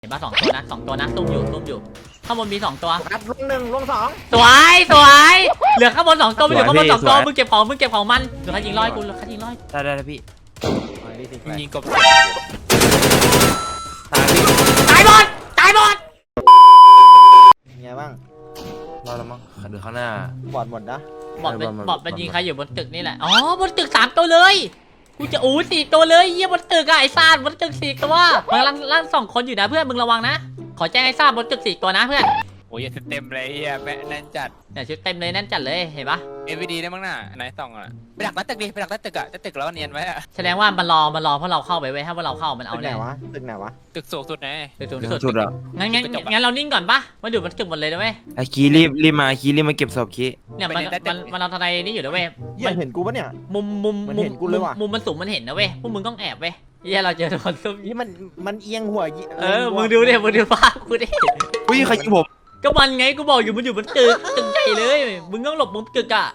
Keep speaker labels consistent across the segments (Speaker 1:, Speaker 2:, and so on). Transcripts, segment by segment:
Speaker 1: เห็นป่ะสองตัวนะซุ่มอยู่ข้างบนมี2 ตัว
Speaker 2: ครับลง1ลง2
Speaker 1: สวยเหลือข้างบน2 ตัวไม่เหลือข้างบน2 ตัวมึงเก็บของมันเหลือใครยิงร้อยกูเหลือใครยิงร้อย
Speaker 3: ได้พี่
Speaker 4: ยิงกบ
Speaker 1: ตายหมด
Speaker 2: ไงบ้าง
Speaker 3: รอแล้วมั้งเดี๋ยวข้างหน้า
Speaker 2: บอดหมดนะ
Speaker 1: บอดมันยิงใครอยู่บนตึกนี่แหละอ๋อบนตึก3 ตัวเลยกูจะ4 ตัวเลยเยี่ยบนตึกอะไอ้ซาดบนตึก4 ตัวมึงล่าง2 คนอยู่นะเพื่อนมึงระวังนะขอแจ้งไอ้ซาดบนตึก4 ตัวนะเพื่อน
Speaker 4: โอ้ยเต็มเลยแม่แน่นจัด
Speaker 1: เนี่ยชุดเต็มเลยแน่นจัดเลยเห็นปะ
Speaker 4: AVD ได้มั้งน่ะไหนส่องอ่ะไปดักตึกดิไปดักตึกอ่ะจะตึกแล้วเนียนไว้อ่ะ
Speaker 1: แสดงว่ามันรอเพราะเราเข้าไปเว้ยถ้าว่าเราเข้ามันเอา
Speaker 2: ตึกไหนวะ
Speaker 4: ตึกสูงสุดไง
Speaker 1: ตึกสูงสุด
Speaker 3: สุดเหรอ
Speaker 1: งั้นเรานิ่งก่อนปะมันอยู่บนตึกหมดเลยนะเว้ย
Speaker 3: ไอ้คีรีบมาเก็บศพคี
Speaker 1: เนี่ยมันเอาทนายนี่อยู่นะเว้ย
Speaker 2: มันเห็นกูปะเนี่ย
Speaker 1: มุมมันสูงมันเห็นนะเว้ยพวกมึงต้องแอบเว้ยเฮียเราเจอคนซุ่ม
Speaker 2: นี่มันเอียงหัว
Speaker 1: มึงดูภาพกูดิ
Speaker 3: อุ้ยใครยิงผม
Speaker 1: ก็มันไงกูบอกอยู่มันอยู่บนตึกใหญ่เลยมึงต้องหลบมุมตึกอะ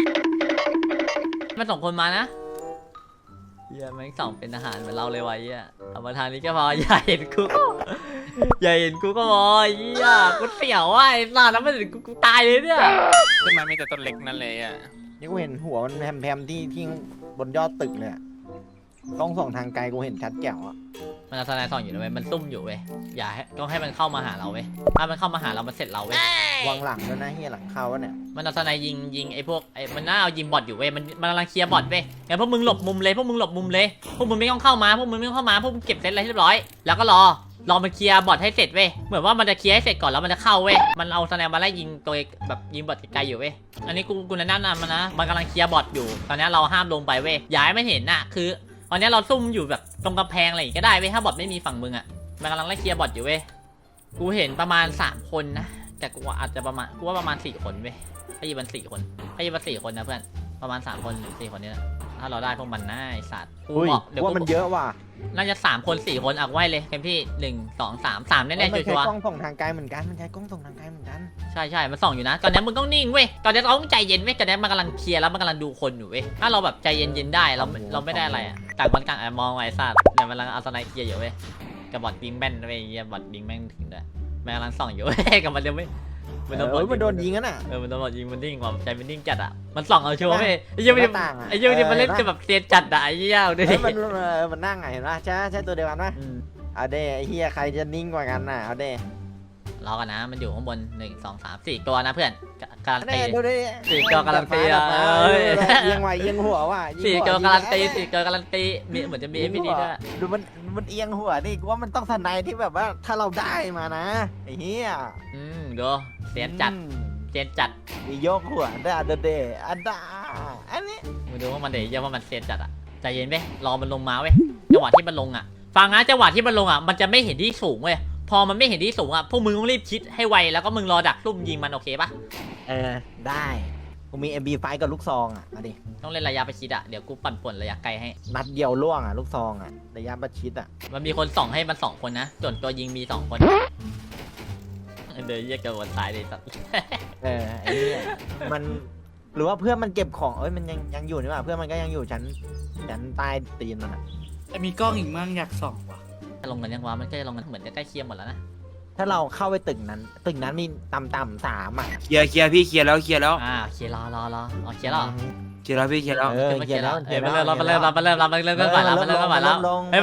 Speaker 1: มัน2 คนมานะเฮียแม่ง2เป็นทหารเหมือนเราเลยวะเฮียเอามาทางนี้ก็พออย่าเห็นกูก็พอเฮียกูเสียวว่ะไอ้สัตว์แล้วมันกูตายเลยเนี่ย
Speaker 4: ขึ้นมามีแต่ต้นเล็กนั่นเลยอ่ะ
Speaker 2: นี่กูเห็นหัวมันแพมที่บนยอดตึกเลยต้องส่องทางไกลกูเห็นชัดแจ๋วอ่ะ
Speaker 1: มันเอาทนายส่องอยู่นะเว้ยมันซุ่มอยู่เว้ยอย่าให้ต้องให้มันเข้ามาหาเราเว้ยถ้ามันเข้ามาหาเรามันเสร็จเราเว้ยว
Speaker 2: างหลังด้วยนะเฮียหลังเข้าวะเนี่ย
Speaker 1: มันเอาทนายยิงไอ้พวกมันน่าเอายิงบอทอยู่เว้ยมันกำลังเคลียร์บอทเว้ยงั้นพวกมึงหลบมุมเลยพวกมึงไม่ต้องเข้ามาพวกมึงเก็บเซตอะไรเรียบร้อยแล้วก็รอมันเคลียร์บอทให้เสร็จเว้ยเหมือนว่ามันจะเคลียร์ให้เสร็จก่อนแล้วมันจะเข้าเว้ยมันเอาทนายมาไล่ยิงตัวแบบยิงบอทไกลๆอยู่เว้ยอันนี้กูแนะนำมันนะมันกำลังเคลียร์บอทอยู่ตอนนี้เราห้ามลงไปเว้ยอย่าให้มันเห็นน่ะคือตอนนี้เราซุ่มอยู่แบบตรงกำแพงอะไรอย่างก็ได้เว้ยถ้าบอทไม่มีฝั่งมึงอ่ะมันกำลังไล่เคลียร์บอทอยู่เว้ยกูเห็นประมาณ3 คนนะแต่กูอาจจะประมาณ4 คนเว้ยให้ยิงมัน4 คนนะเพื่อนประมาณ3 คนหรือ4 คนนี้นะถ้าเราได้พวกมันน่าไอ้สัตว์
Speaker 2: กูบอกเดี๋ยวว่ามันเยอะว่ะ
Speaker 1: น่าจะ3 คน4 คนอักไว้เลยเต็มที่1 2 3 แน่ๆชัวร์
Speaker 2: มันใช้กล้องส่องทางไกลเหมือนกัน
Speaker 1: ใช่มันส่องอยู่นะตอนนี้มึงต้องนิ่งเว้ยตอนนี้เราต้องใจเย็นเว้ยตอนนี้มันกำลังเคลียร์แล้วมันกำลังดูคนอยู่เว้ยถ้าเราแบบใจเย็นได้เราไม่ได้อะไรอ่ะต่างคนต่างมองไอ้สัตว์เนี่ยมันกำลังเอาสไนเคลียร์อยู่เว้ยกับบอทบิงแม่นเว้ยบอทบิงแม่นถึงด้วยมันกำลังส่องอยู่เว้ยกับมันเดี๋ยวไม่
Speaker 2: มันโดนยิงอ่ะน่ะ
Speaker 1: มันโดนยิงมันนิ่งว่ะใจมันนิ่งจัดอ่ะมันส่องเอาชัวร์เว้ยไอ้เหี้ยนี่มันเล่นแบบเซียนจัดอ่ะไอ้เหี้ยดูดิ
Speaker 2: มันนั่งไงเห็นป่ะใช่ตัวเดียวกันป่ะเอาเด้ไอ้เหี้ยใครจะนิ่งกว่ากันน่ะเอาเด้
Speaker 1: รอกันนะมันอยู่ข้างบน1 2 3 4 ตัวนะเพื่อนการันตี4 ตัวการันตี
Speaker 2: ยังหัวว่ะ
Speaker 1: 4 ตัวการันตีมีเหมือนจะมีไม่ดีด้วย
Speaker 2: ดูมันเอียงหัวนี่กูว่ามันต้องสไนที่แบบว่าถ้าเราได้มานะไอ้เหี้ย
Speaker 1: ดูเสียนจัด
Speaker 2: มีโยกหัวได้เดอันนี้
Speaker 1: มึงดูว่ามันเดี๋ยวว่ามันเสียนจัดอ่ะใจเย็นเว้ยรอมันลงมาเว้ยจังหวะที่มันลงอ่ะฟังนะจังหวะที่มันลงอ่ะมันจะไม่เห็นที่สูงเว้ยพอมันไม่เห็นที่สูงอ่ะพวกมึงต้องรีบชิดให้ไวแล้วก็มึงรอดักลุ่มยิงมันโอเคปะ
Speaker 2: ได้กูมี MB5 กับลูกซองอ่ะมาดิ
Speaker 1: ต้องเล่นระยะประชิดอ่ะเดี๋ยวกูปั่นป่วนระยะไกลให้
Speaker 2: นัดเดียวล่วงอ่ะลูกซองอ่ะระยะประชิดอ่ะ
Speaker 1: มันมีคนส่องให้มัน2 คนนะส่วนตัวยิงมี2 คนเดี๋ยวแยกกันวันตายเลยสัตว์
Speaker 2: ไอ้เนี่ยมันหรือว่าเพื่อนมันเก็บของมันยังอยู่นี่ป่ะเพื่อนมันก็ยังอยู่ชั้นใต้ตีนมันอ่ะ
Speaker 5: แต่มีกล้องอีกมั่งอยากส่องว่ะ
Speaker 1: จะลงกันยังวะมันก็จะลงกันเหมือนจะใกล้เคียงหมดแล้วนะ
Speaker 2: ถ้าเราเข้าไปตึกนั้นมีต่ำ3อ่ะ
Speaker 3: เคลียร์พี่เคลียร์แล้ว
Speaker 1: เคลียร์รอเคลียร์แล้ว
Speaker 3: พี่เคลียร์แล้ว
Speaker 1: มันเริ่มก่อนแล้วมันเริ่มลงแล้วมันเริ่มลงแล้ว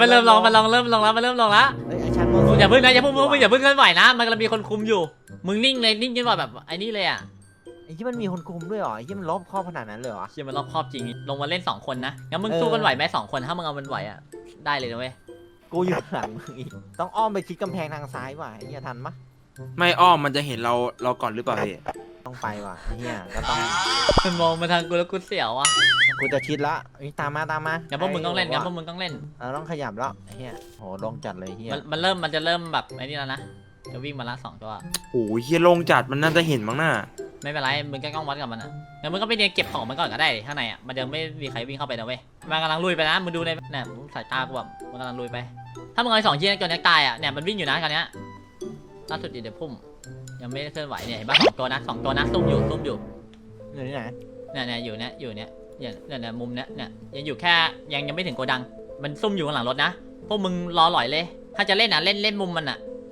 Speaker 1: อย่าเพิ่งนะอย่าเพิ่งเคลื่อนไหวนะมันกำลังมีคนคุมอยู่มึงนิ่งเลยนิ่งจนแบบไอ้นี่เลยอ่ะ
Speaker 2: ไอ้ที่มันมีคนคุมด้วยเหรอไอ้ที่มันรอบครอบขนาดนั้นเลยเหรอ
Speaker 1: ที่มันรอบครอบจริงลงมาเล่น2 คนนะงั้นมึงสู้กันไหวไหม2 คนถ้ามึงเอามันไหวอ่ะได้เลยนะเว้ย
Speaker 2: กูอยู่หลังมึงอีกต้องอ้อมไปชิดกำแพงทางซ้ายว่ะเฮียทันปะ
Speaker 3: ไม่อ้อมมันจะเห็นเราก่อนหรือเปล่าพี่
Speaker 2: ต้องไปว่ะเฮียก็ต้อง
Speaker 1: มันมองมาทางกูแล้วกูเสียวอ่ะ
Speaker 2: กูจะชิดละตามมา
Speaker 1: งั้นพวกมึงต้องเล่น
Speaker 2: เราต้องขยับแล้วเฮียโหลงจัดเลยเฮีย
Speaker 1: มันจะเริ่มแบบไอ้นี่แล้วนะจะวิ่งมาละ2 ตัว
Speaker 3: โอ้ยเฮียลงจัดมันน่าจะเห็นมั้งน่ะ
Speaker 1: ไม่เป็นไรมึงก็ต้องวัดกับมันอ่ะงั้นมึงก็ไปเรียนเก็บของมันก่อนก็ได้ข้างในอ่ะมันยังไม่มีใครวิ่งเข้าไปนะเว้ยมันกำลังลุยไปนะมึงดูในเนี่ยสายตากูแบบมันกำลังลุยไปถ้ามึงเอา2 ชิ้นจนตายอ่ะเนี่ยมันวิ่งอยู่นะคราวนี้ล่าสุดเดี๋ยวพุ่มยังไม่เคลื่อนไหวเนี่ยเห็นป่ะ2 ตัวนะซุ่มอยู่
Speaker 2: ที่ไหน
Speaker 1: เนี่ยอยู่เนี่ยมุมเนี่ยยังอยู่แค่ยังไม่ถึงโกดังมันซุ่มอยู่ข้างหลังรถนะพวกมึงรอหล่อยเลยถ้าจะเล่นเล่นมุมมันอ่ะ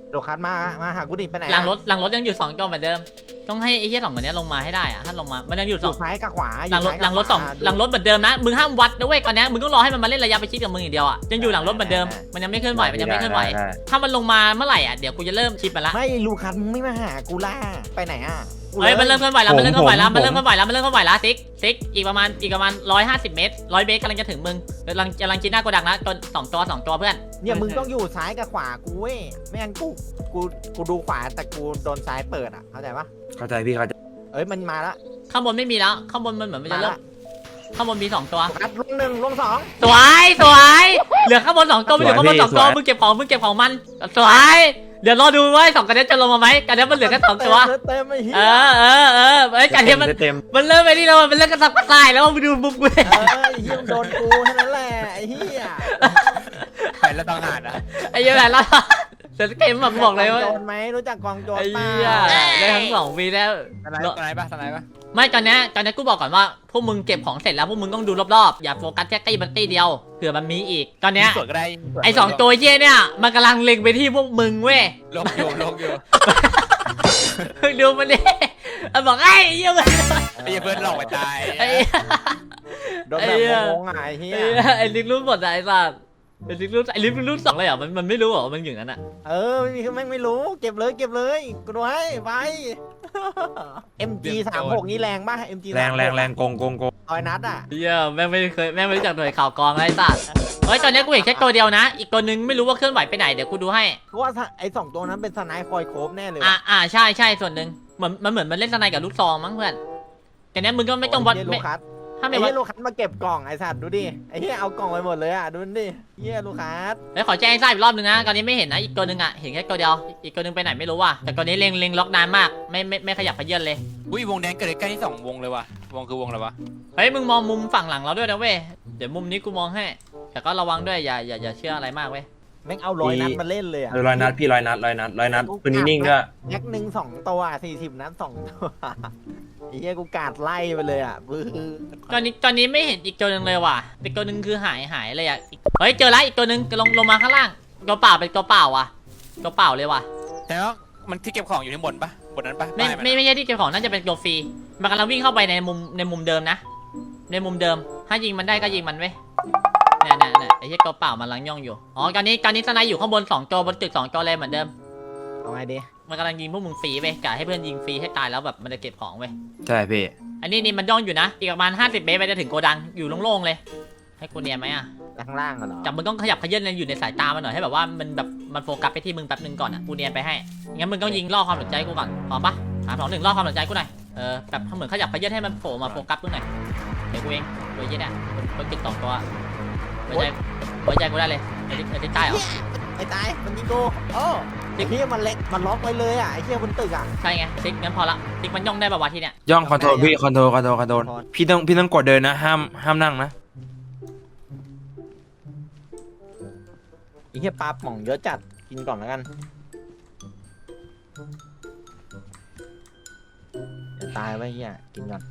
Speaker 2: โลคัสมาหากูดิไปไหน
Speaker 1: หลังรถยังอยู่2 ตัวเหมือนเดิมต้องให้ไอ้เหี้ย2 คนนี้ลงมาให้ได้อะถ้าลงมามันยังอยู่
Speaker 2: อยู่ซ้ายกับขวา
Speaker 1: หลังรถ2หลังรถเหมือนเดิมนะมึงห้ามวัดนะเว้ยก่อนนี้มึงต้องรอให้มันมาเล่นระยะประชิดกับมึงอย่างเดียวอ่ะยังอยู่หลังรถเหมือนเดิมมันยังไม่เคลื่อนไหวมันยังไม่เคลื่อนไหวถ้ามันลงมาเมื่อไหร่อ่ะเดี๋ยวกูจะเริ่มชิปมันละ
Speaker 2: ไม่ลูคัสมึงไม่มาหากูล่ะไปไหนอ่ะ
Speaker 1: เฮ้ยมันเริ่มเคลื่อนไหวแล้วมันเริ่มเคลื่อนไหวแล้วมันเริ่มเคลื่อนไหวแล้วมันเริ่มเคลื่อนไหวแล้วซิกอีกประมาณ150 เมตร100 เมตรกำลังจะถึงมึงกำลังชิดหน้าโกดังนะจน2 ตัวเพื่อน
Speaker 2: เนี่ยมึงต้องอยู่ซ้ายกับขวากูเว้ยไม่งั้นกูดูขวาแต่กูโดนซ้ายเปิดอ่ะเข้าใจปะ
Speaker 3: เข้าใจพี่เข้าใจ
Speaker 2: เอ้ยมันมาละ
Speaker 1: ข้างบนไม่มีแล้วข้างบนมันเหมือนมันจะเริ่มข้างบนมี2 ตัว
Speaker 2: โลคัสลงหนึ่งลงสอง
Speaker 1: สวยเหลือข้างบน2 ตัวไม่เหลือข้างบน2 ตัวมึงเก็บของมันสวยเดี๋ยวรอดูว่า2 กันนี้จะลงมาไหมกันนี้มันเหลือแค่2 ตัว
Speaker 2: เต็มไอ้เหี้ย
Speaker 1: เอ้ยกันนี้มัน
Speaker 3: เต็ม
Speaker 1: มันเริ่มไปนี่แล้วมันเริ่มกระสับกระส่ายแล้วมึงดูมุมกูเลย
Speaker 2: ไอ้เหี้ยมึงโดนกูแค่นั้นแหละไอ้เหี้ย
Speaker 4: ไปแล้วต้องหาดอ่ะ
Speaker 1: ไอ้เหี้ยแบบแล้วเสร็จเกมแบบบอกเลยว่า
Speaker 2: โจรไหมรู้จักกองโจร
Speaker 1: ไอ้
Speaker 2: เปล่า
Speaker 1: เหี้ยได้ทั้ง2 ปีแล้ว
Speaker 4: สไนปะสไนปะ
Speaker 1: ไม่ตอนนี้กูบอกก่อนว่าพวกมึงเก็บของเสร็จแล้วพวกมึงต้องดูรอบๆอย่าโฟกัสแค่ตี้มันตี้เดียวเผื่อมันมีอีกตอนเนี้ย
Speaker 4: สวนก็ได้
Speaker 1: ไอ้2 ตัวเหี้ยเนี่ยมันกำลังเล็งไปที่พวกมึงเว้ย
Speaker 4: ลงอยู่
Speaker 1: ดูมันดิมันบอกไอ้เหี้ยมัน
Speaker 4: ไอ้เพื่อนหลอกไปตาย
Speaker 1: ไอ้เหี้ย
Speaker 2: โดนแบบโงงๆอ่ะไอ้เหี้ย
Speaker 1: ไอ้ลิงรุ่นหมดอะไอ้สัสไอ้ลิงรุ่น2เลยเหรอมันไม่รู้เหรอมันอยู่นั้นอะ
Speaker 2: เออไม่มีคือแม่งไม่รู้เก็บเลยกูดูให้ไป MG 36นี่แรงป่ะ MG
Speaker 3: แรงโกง
Speaker 2: ร้อยนัดอ่ะ
Speaker 1: เหี้ยแม่งไม่รู้จักหน่วยข่าวกองไอ้สัสเฮ้ยตอนนี้กูเห็นแค่ตัวเดียวนะ อีกตัวนึงไม่รู้ว่าเคลื่อนไหวไปไหนเดี๋ยวกูดูให้
Speaker 2: เพราะว่าไอ้2ตัวนั้นเป็นสไนป์คอยโคบแน่เลย
Speaker 1: ใช่ส่วนหนึ่งเหมือนมันเล่นสไนกับลูกซองมั้งเพื่อนแต่เนี้ยมึงก็ไม่ต้องวัด
Speaker 2: ไอ้
Speaker 1: ไม่
Speaker 2: ลูคัส
Speaker 1: ถ้า
Speaker 2: ไอ้
Speaker 1: ไม่วัด
Speaker 2: เหี้ยลูคัสมาเก็บกล่องไอ้สัตว์ดูดิไอ้เหี้ยเอากล่องไปหมดเลยอ่ะดูดิเหี้ยลูคัส
Speaker 1: เฮ้ยขอแจ้งให้ทราบอีกรอบนึงนะตอนนี้ไม่เห็นนะอีกตัวนึงอะเห็นแค่ตัวเดียวอีกตัวนึงไปไหนไม่รู้ว่ะแต่ตัวนี้เล็งล็อกนานมากไม่ขยับขยื่นเลย
Speaker 4: อุ้ยวงแดงเกิดใกล้ที่2 วงเลยว่ะวงคือวงอะไรวะ
Speaker 1: เฮ้ยมึงมองมุมฝั่งหลังเราด้วยนะเว้ยเดี๋ยวมุมนี้กูมองให้แต่ก็ระวังด้วยอย่าเชื่ออะไรมากเว้ย
Speaker 2: แม่งเอาร้อยนัดมาเล่นเลยอ่ะ
Speaker 3: ร้อยนัดพี่ร้อยนัดปืนนิ่งๆก็
Speaker 2: แม็กหนึ่ง2 ตัว40 นัด 2 ตัวไอ้เหี้ยกูกาดไล่ไปเลยอ่ะบื้อ
Speaker 1: ตอนนี้ไม่เห็นอีกตัวนึงเลยว่ะอีกตัวนึงคือหายเลยอ่ะเฮ้ยเจอแล้วอีกตัวนึงลงมาข้างล่างตัวเปล่าเป็นตัวเปล่าว่ะตัวเปล่าเลยว่ะ
Speaker 4: แต่ว่ามันที่เก็บของอยู่ที่บนปะบนนั้นปะ
Speaker 1: ไม่ใช่ที่เก็บของน่าจะเป็นตัวฟรีมันกำลังวิ่งเข้าไปในมุมเดิมนะในมุมเดิมถ้ายิงมันได้ก็ยิงมันเว้ยเนี่ยไอ้เหี้ยตัวเปล่ามันกำลังย่องอยู่อ๋อตอนนี้สไนอยู่ข้างบน2 ตัวบนตึก2 ตัวเลยเหมือนเดิม
Speaker 2: เอาไงดี
Speaker 1: มันกำลังยิงพวกมึงฟรีเว้ยกะให้เพื่อนยิงฟรีให้ตายแล้วแบบมันจะเก็บของเว้ย
Speaker 3: ใช่พี่
Speaker 1: อันนี้มันย่องอยู่นะอีกประมาณ50 เมตรไปจะถึงโกดังอยู่โล่งๆเลยให้กูเนียนไหมอ่ะ
Speaker 2: ข้างล่างเหรอ
Speaker 1: จับมึงต้องขยับขยื่นอยู่ในสายตามันหน่อยให้แบบว่ามันโฟกัสไปที่มึงแป๊บนึงก่อนอ่ะกูเนียนไปให้งั้นมึงต้องยิงล่อความสนใจกูก่อนพร้อมปะ3 2 1ล่อความสนใจกูหน่อยแบบเหมือนขยับขยื่นให้มันโผล่มาโฟกัสมึงหน่อยเดี๋ยวกูเองตัวยี่เนี่ยคนติด2 ตัวไว้ใจกูได้เลยไอ้ที่ใต้เหรอ
Speaker 2: ไอ้ตายมันยิงกูโอ้ไอ้เหี้ยมันเล็กมันล็อกไว้เลยอ่ะไอ้เหี้ยบนตึกอ่ะ
Speaker 1: ใช่ไงติ๊กงั้นพอละติ๊กมันย่องได้ป่าวะที่เนี่ย
Speaker 3: ย่องคอนโทรลพี่คอนโทรลพี่ต้องกดเดินนะห้ามนั่งนะ
Speaker 2: ไอ้เหี้ยปลาป่องเยอะจัดกินก่อนแล้วกันอย่าตายไว้เหี้ยกินก่อน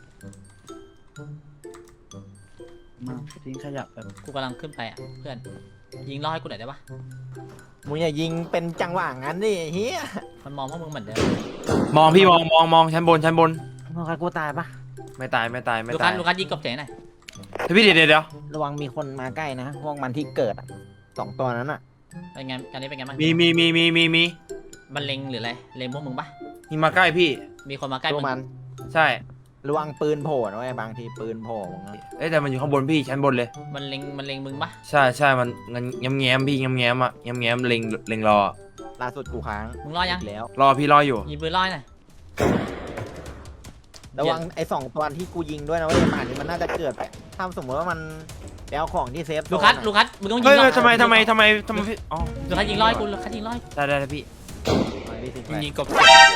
Speaker 5: มาทิ้งขยับแบบ
Speaker 1: กูกำลังขึ้นไปอ่ะเพื่อนยิงล่อให้กูหน่อยได้ปะ
Speaker 2: มึงอย่ายิงเป็นจังหวะงั้นดิไอ้เหี้ย
Speaker 1: มันมองพวกมึงเหมือนเดิม
Speaker 3: มองพี่มองชั้นบน
Speaker 2: มึงใครกูตายปะ
Speaker 3: ไม่ตาย
Speaker 1: ลูคัสยิงกบเสียงหน่อย
Speaker 3: พี่เดี๋ยว
Speaker 2: ระวังมีคนมาใกล้นะพวกมันที่เกิดอ่ะ2 ตัวนั้นอ่ะ
Speaker 1: เป็นไงการนี้เป็นไงบ้าง
Speaker 3: มี
Speaker 1: มันเล็งหรืออะไรเล็งพวกมึงปะ
Speaker 3: มีมาใกล้พี่
Speaker 1: มีคนมาใกล้
Speaker 2: พว
Speaker 1: มึ
Speaker 2: ก
Speaker 1: ง
Speaker 2: มัน
Speaker 3: ใช่
Speaker 2: ระวังปืนโผล่นะเว้ยบางทีปืนโผล่มึง
Speaker 3: เอ้ยแต่มันอยู่ข้างบนพี่ชั้นบนเลย
Speaker 1: มันเล็งมึงปะ
Speaker 3: ใช่มันแง้มพี่แง้มอ่ะแง้มเล็งรอ
Speaker 2: ล่าสุดกูค้าง
Speaker 1: มึงรอยัง
Speaker 2: อีกแล้ว
Speaker 3: รอพี่รออยู่
Speaker 1: ยิงปืนรอหน่อย
Speaker 2: ระวังไอ้2 ตัวที่กูยิงด้วยนะเว้ยป่านนี้มันน่าจะเกิดไปถ้าสมมติว่ามันไปเอาของที่เซฟโซน
Speaker 1: ลู
Speaker 2: อะ
Speaker 1: คัสมึงต้องยิ
Speaker 3: เฮ้
Speaker 1: ง
Speaker 3: ย
Speaker 1: รอ
Speaker 3: ทำไมพี่อ๋อ
Speaker 1: ลูคัสยิงรอให้กูลูคัสยิงรอให้
Speaker 3: ได้พี่
Speaker 4: ยิงกบ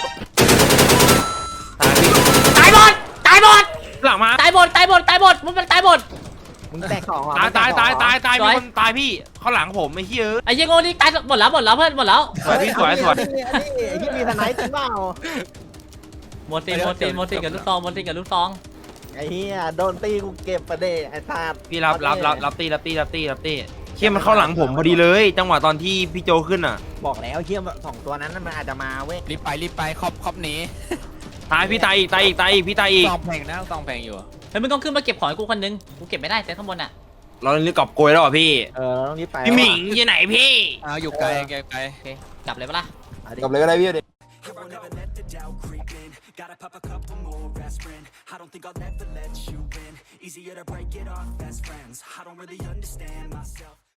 Speaker 3: ตายพี่
Speaker 1: ตายหมด
Speaker 3: หลังมา
Speaker 1: มึงมันตายหมด
Speaker 2: มึงแตก2เหรอ
Speaker 3: ตาย
Speaker 1: สวย
Speaker 3: มีคนตายพี่ข้างหลังผมไอ้เหี้ย
Speaker 1: ไอ้เหี้ยโง่นี่ตายหมดแล้วเพื่อนหมดแล้ว
Speaker 3: สวยพี่สวย
Speaker 2: ไอ้ที่มีสไนป์จริงเปล่า
Speaker 1: โมซินกับลูกซอง
Speaker 2: ไอ้เหี้ยโดนตีกูเก็บประเดไอ้ซาด
Speaker 3: พี่รับตีเคเฮียมันเข้าหลังผมพอดีเลย จังหวะตอนที่พี่โจขึ้นอ่ะ
Speaker 2: บอกแล้วเฮียสองตัวนั้นมันอาจจะมาเว้ย
Speaker 4: รีบไปครอบหนี
Speaker 3: ตายพี่ตายอีกพี่ตายอีก
Speaker 4: ซองแพงนะซองแพงอยู่
Speaker 1: เฮ้ยมึงต้องขึ้นมาเก็บของให้กูคนนึงกูเก็บไม่ได้แต่ข้างบนอ่ะ
Speaker 3: เราเรียกกอบโกยแล้วเหรอพี่
Speaker 2: เราต้องรีบไป
Speaker 3: พี่หมิงอยู่ไหนพี่
Speaker 4: อยู่ไกล
Speaker 1: โอเคกลับเลยปะล่ะ
Speaker 2: กลับเลยก็ได้พี่
Speaker 6: Gotta pop a couple more aspirin. I don't think I'll never let you in. Easier to break it off best friends. I don't really understand myself.